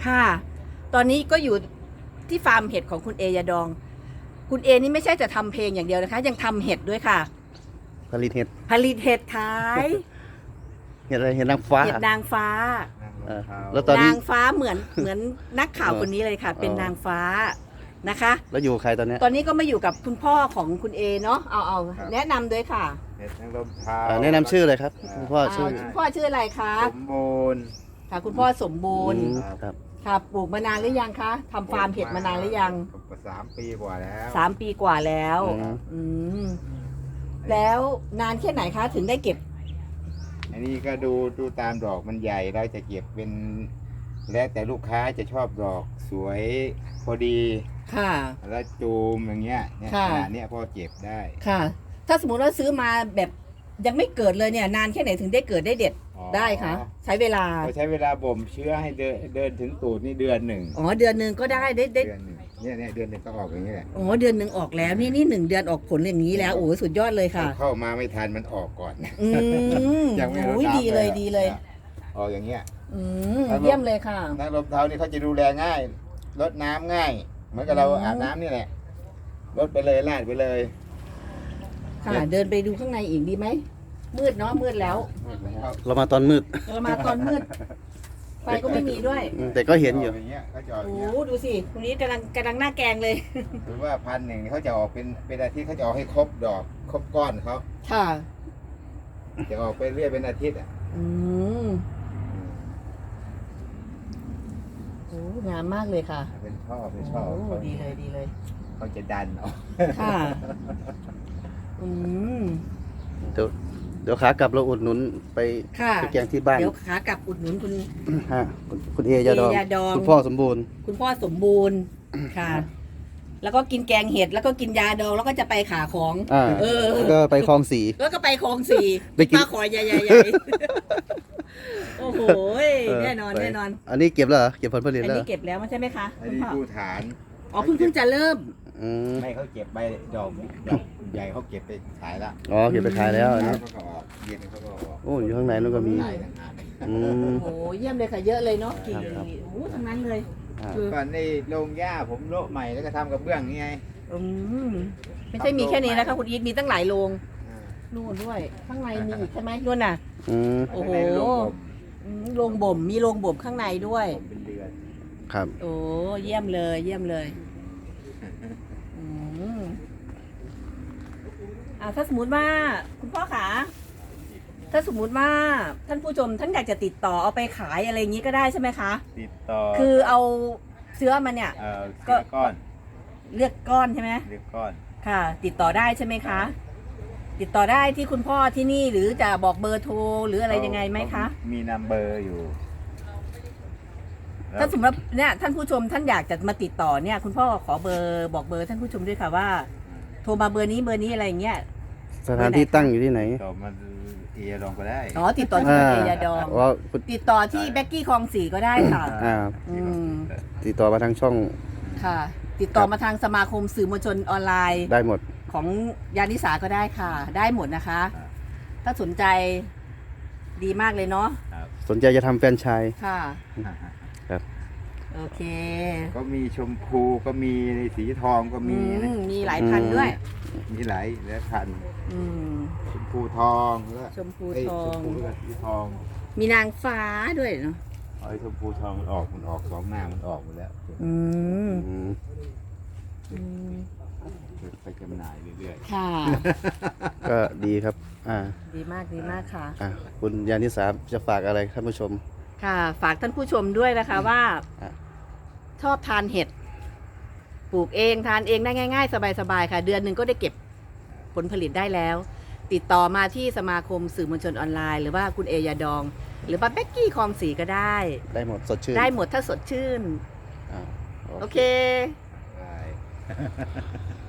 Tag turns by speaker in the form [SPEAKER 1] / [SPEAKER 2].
[SPEAKER 1] ค่ะ ตอนนี้ก็อยู่ที่ฟาร์มเห็ดของคุณเอยาดอง คุณเอนี่ไม่ใช่จะทำเพลงอย่างเดียวนะคะ ยังทำเห็ดด้วยค่ะ
[SPEAKER 2] ผลิตเห็ด
[SPEAKER 1] ผลิตเห็ดขาย
[SPEAKER 2] เห็ดอะไรเห็ดนางฟ้า
[SPEAKER 1] เห็ดนางฟ้า
[SPEAKER 2] เออแล้วตอนนี้
[SPEAKER 1] นางฟ้าเหมือนนักข่าวคนนี้เลยค่ะ เป็นนางฟ้านะคะ
[SPEAKER 2] แล้วอยู่กับใครตอนเนี้ย
[SPEAKER 1] ตอนนี้ก็มาอยู่กับคุณพ่อของคุณเอเนาะเอาแนะนำด้วยค่ะ
[SPEAKER 3] เห็ดนางรมเทา
[SPEAKER 2] แนะนำชื่อเลยครับคุณพ่อชื่อ
[SPEAKER 1] คุณพ่อชื่ออะไรคะ
[SPEAKER 3] สมบูรณ์
[SPEAKER 1] ค่ะคุณพ่อสมบูรณ์
[SPEAKER 2] ครับ
[SPEAKER 1] ค่ะปลูกมานานหรือยังคะทำฟาร์มเห็ดมานานหรือยัง
[SPEAKER 3] 3 ปีกว่าแล้ว
[SPEAKER 1] 3 ปีกว่าแล้วอืมแล้วนานแค่ไหนคะถึงได้เก็บ
[SPEAKER 3] อันนี้ก็ดูตามดอกมันใหญ่เราจะเก็บเป็น แล้วแต่ลูกค้าจะชอบดอกสวยพอดี
[SPEAKER 1] ค่ะ
[SPEAKER 3] แล้วจูมอย่างเงี้ยเนี่ย
[SPEAKER 1] ค่ะ
[SPEAKER 3] ขนาดเนี้ยพอเก็บได้
[SPEAKER 1] ค่ะ ถ้าสมมติว่าซื้อมาแบบยังไม่เกิดเลยเนี่ย นานแค่ไหนถึงได้เกิดได้เด็ด
[SPEAKER 3] อ๋อ
[SPEAKER 1] ได้คะใช้เวลา
[SPEAKER 3] เราใช้เวลาบ่มเชื้อให้เดินถึงตูดนี่เดือนหนึ่ง
[SPEAKER 1] อ๋อเดือนหนึ่งก็ได้ได้
[SPEAKER 3] เดือนหนึ่งเนี่ยเดือนหนึ่งก็ออกอย่างนี้แหละ
[SPEAKER 1] อ๋อเดือนหนึ่งออกแล้วนี่1 เดือนออกผลอย่างนี้แล้วโอ้สุดยอดเลยค่ะ
[SPEAKER 3] เข้ามาไม่ทันมันออกก่อน
[SPEAKER 1] อืม
[SPEAKER 3] ยังไม่รู้
[SPEAKER 1] โอ้ย
[SPEAKER 3] น้ำ
[SPEAKER 1] ดีเลยดีเลย
[SPEAKER 3] ออกอย่างเงี้ย
[SPEAKER 1] อืมเยี่ยมเลยค่ะ
[SPEAKER 3] นางรมเทานี่เขาจะดูแลง่ายรดน้ำง่าย เหมือนกับเราอาบน้ำนี่แหละรดไปเลยลาดไปเลย
[SPEAKER 1] ค่ะ เดินไปดูข้างในอีกดีไหมมืดเนาะมืดแล้ว
[SPEAKER 2] เรามาตอนมืด
[SPEAKER 1] เรามาตอนมืดไฟก็ไม่มีด้วย
[SPEAKER 2] แต่ก็เห็นอยู่
[SPEAKER 3] อย่างเงี้ยเขาจะออกอ
[SPEAKER 1] โอ้
[SPEAKER 3] ย่างเงี้ย
[SPEAKER 1] โหดูสิตรงนี้กำลังหน้าแกงเลย
[SPEAKER 3] หรือว่า1,000เขาจะออกเป็นอาทิตย์เขาจะออกให้ครบดอกครบก้อนเขา
[SPEAKER 1] ค่ะ
[SPEAKER 3] จะออกไปเรื่อยเป็นอาทิตย์อ่ะ
[SPEAKER 1] อืมโอ้งามมากเลยค่ะ
[SPEAKER 3] เป็นช่อเป็น
[SPEAKER 1] โอ้
[SPEAKER 3] ช่อเขา
[SPEAKER 1] ดีเลยดีเลย
[SPEAKER 3] เขาจะดันออก
[SPEAKER 1] ค่ะ อืม
[SPEAKER 2] เดี๋ยวขากลับเราอุดหนุนไป
[SPEAKER 1] ค่ะ
[SPEAKER 2] ไปแกงที่บ้าน
[SPEAKER 1] เดี๋ยวขากลับอุดหนุนคุณ
[SPEAKER 2] ฮะคุณเอยาดอง
[SPEAKER 1] เอยาดอง
[SPEAKER 2] คุณพ่อสมบูรณ์
[SPEAKER 1] คุณพ่อสมบูรณ์ค่ะ แล้วก็กินแกงเห็ดแล้วก็กินยาดองแล้วก็จะไปขาของ
[SPEAKER 2] อ่า
[SPEAKER 1] เออ
[SPEAKER 2] แล้วก็ไปคลองสี
[SPEAKER 1] แล้วก็ไปคลองสี่
[SPEAKER 2] ไปกิน
[SPEAKER 1] ปลาขอยใหญ่ๆโอ้โหแน่นอน
[SPEAKER 2] ไป
[SPEAKER 1] แน่นอน
[SPEAKER 2] อันนี้เก็บแล้วเหรอเก็บผลผลิต
[SPEAKER 1] อัน
[SPEAKER 2] แล้วเหร
[SPEAKER 1] นี้
[SPEAKER 2] อ
[SPEAKER 1] เก็บแล้วใช่ไหมคะ
[SPEAKER 3] อัน
[SPEAKER 1] คุณ
[SPEAKER 3] นี้
[SPEAKER 1] พ่อ
[SPEAKER 3] ผู้ฐาน
[SPEAKER 1] อ๋อเพิ่งจะเริ่ม
[SPEAKER 2] อืม
[SPEAKER 3] ไม่เขาเก็บใบดอกใหญ่เขาเก็บไปขายละ
[SPEAKER 2] อ๋อเก็บไปขายแล้วอันนี้
[SPEAKER 3] เขาก็ออกเย็นเขาก็ออก
[SPEAKER 2] โอ้อยู่ข้างในนู้นก็มี
[SPEAKER 3] ขายต่างหาก
[SPEAKER 2] อืม
[SPEAKER 1] โอ้โหเยี่ยมเลยค่ะเยอะเลยเนาะกิ่ง
[SPEAKER 2] ครับ
[SPEAKER 1] โอ้โหทั้งนั้นเลย
[SPEAKER 2] อ่า
[SPEAKER 1] คือ
[SPEAKER 3] ก่อนในโรงหญ้าผมโละใหม่แล้วก็ทำกับเบื้องนี่ไง
[SPEAKER 1] อืมไม่ใช่มีแค่นี้นะคะคุณอีทมีตั้งหลายโรง
[SPEAKER 3] อ่า
[SPEAKER 1] นู่นด้วย ข้างในมีอีกใช่ไหมนู่นน่ะ
[SPEAKER 2] อืม
[SPEAKER 1] โอ้โห
[SPEAKER 3] ข้างในโรงผม
[SPEAKER 1] โรงบ่มมีโรงบ่มข้างในด้วย
[SPEAKER 3] ผมเป็นเดือน
[SPEAKER 2] ครับ
[SPEAKER 1] โอ้เยี่ยมเลยเยี่ยมเลยอืมถ้าสมมุติว่าคุณพ่อขาถ้าสมมุติว่าท่านผู้ชมท่านอยากจะติดต่อเอาไปขายอะไรอย่างนี้ก็ได้ใช่ไหมคะ
[SPEAKER 3] ติดต่อ
[SPEAKER 1] คือเอาเชื้อมันเนี่ย
[SPEAKER 3] เสื้อก้อน
[SPEAKER 1] เลือกก้อนใช่ไหม
[SPEAKER 3] เรียกก้อน
[SPEAKER 1] ค่ะ ติดต่อได้ใช่ไหมคะ ติดต่อได้ที่คุณพ่อที่นี่หรือจะบอกเบอร์โทรหรืออะไรยังไงไหมคะ
[SPEAKER 3] มีนัมเบอร์อยู่
[SPEAKER 1] ถ้าสมมติเนี่ยท่านผู้ชมท่านอยากจะมาติดต่อเนี่ย คุณพ่อขอเบอร์บอกเบอร์ท่านผู้ชมด้วยค่ะว่า โทรมาเบอร์นี้อะไรอย่างเงี้ย
[SPEAKER 2] สถานที่ตั้งอยู่ที่ไหน
[SPEAKER 3] ต่อมาเอลองก็ได้
[SPEAKER 1] อ๋อติดต่อที่เอยาดอง
[SPEAKER 2] ว่าคุณ
[SPEAKER 1] ติดต่อที่แบ็กกี้คลองสี่ก็ได้ค่ะ
[SPEAKER 2] อ่า
[SPEAKER 1] อืม
[SPEAKER 2] ติดต่อมาทางช่อง
[SPEAKER 1] ค่ะ ติดต่อมาทางสมาคมสื่อมวลชนออนไลน์
[SPEAKER 2] ได้หมด
[SPEAKER 1] ของยานิสาก็ได้ค่ะ ได้หมดนะคะ ถ้าสนใจดีมากเลยเนาะ
[SPEAKER 2] สนใจจะทำแฟรนไชส์
[SPEAKER 1] ค่ะ
[SPEAKER 2] ครับ
[SPEAKER 1] โอเค
[SPEAKER 3] ก็มีชมพูก็มีสีทองก็มีนะ
[SPEAKER 1] มีหลายพันธุ์ด้วย
[SPEAKER 3] มีหลายพันธุ์
[SPEAKER 1] อืม
[SPEAKER 3] ชมพูทองแล้ว
[SPEAKER 1] ชมพู
[SPEAKER 3] เอ้ย
[SPEAKER 1] ทอ
[SPEAKER 3] ชม
[SPEAKER 1] ง
[SPEAKER 3] พูกับสีทอง
[SPEAKER 1] มีนางฟ้าด้วยเนาะ
[SPEAKER 3] ไอ้ชมพูทองมันออกสองหน้ามันออกหมดแล้ว
[SPEAKER 1] อืม
[SPEAKER 2] อืม
[SPEAKER 1] อืม
[SPEAKER 3] ไปจำหน่ายเรื่อย
[SPEAKER 1] ค่ะ
[SPEAKER 2] ก็ดีครับ อ่า
[SPEAKER 1] ดีมากดีมากค่ะ
[SPEAKER 2] อ่าคุณยานิสาจะฝากอะไรท่านผู้ชม
[SPEAKER 1] ค่ะ ฝากท่านผู้ชมด้วยนะคะว่า
[SPEAKER 2] อ่ะ
[SPEAKER 1] ชอบทานเห็ด ปลูกเองทานเองได้ง่ายๆ สบายๆค่ะ เดือนหนึ่งก็ได้เก็บผลผลิตได้แล้ว ติดต่อมาที่สมาคมสื่อมวลชนออนไลน์ หรือว่าคุณเอยาดอง หรือว่าเบ็กกี้คลองสีก็ได้
[SPEAKER 2] ได้หมดสดชื่น
[SPEAKER 1] ได้หมดถ้าสดชื่น
[SPEAKER 2] อ่า
[SPEAKER 1] โอเค
[SPEAKER 3] ๆได้